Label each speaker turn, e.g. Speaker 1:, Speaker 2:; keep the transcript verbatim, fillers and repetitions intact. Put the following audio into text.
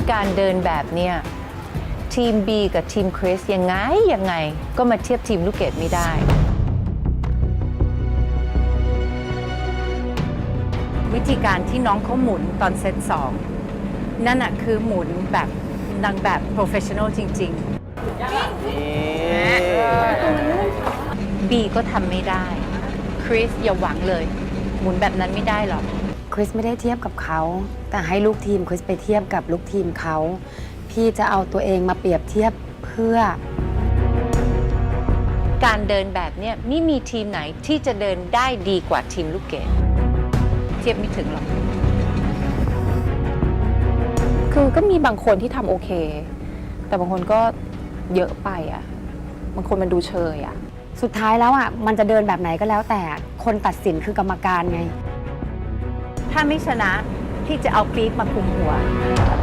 Speaker 1: การเดินแบบเนี้ยทีม B กับทีมคริสยังไงยังไงก็มาเทียบทีมลูกเกดไม่ได้วิธีการที่น้องเขาหมุนตอนเซตสองนั่นอะคือหมุนแบบนางแบบ professional จริงๆ B ก็ทำไม่ได้คริสอย่าหวังเลยหมุนแบบนั้นไม่ได้หรอก
Speaker 2: คริสไม่ได้เทียบกับเขาแต่ให้ลูกทีมคริสไปเทียบกับลูกทีมเขาพี่จะเอาตัวเองมาเปรียบเทียบเพื่อ
Speaker 1: การเดินแบบนี้ไม่มีทีมไหนที่จะเดินได้ดีกว่าทีมลูกเกดเทียบไม่ถึงหรอก
Speaker 3: คือก็มีบางคนที่ทำโอเคแต่บางคนก็เยอะไปอ่ะบางคนมันดูเชยอ่ะ
Speaker 2: สุดท้ายแล้วอ่ะมันจะเดินแบบไหนก็แล้วแต่คนตัดสินคือกรรมการไง
Speaker 1: ถ้าไม่ชนะพี่จะเอาปี๊กมาคุมหัว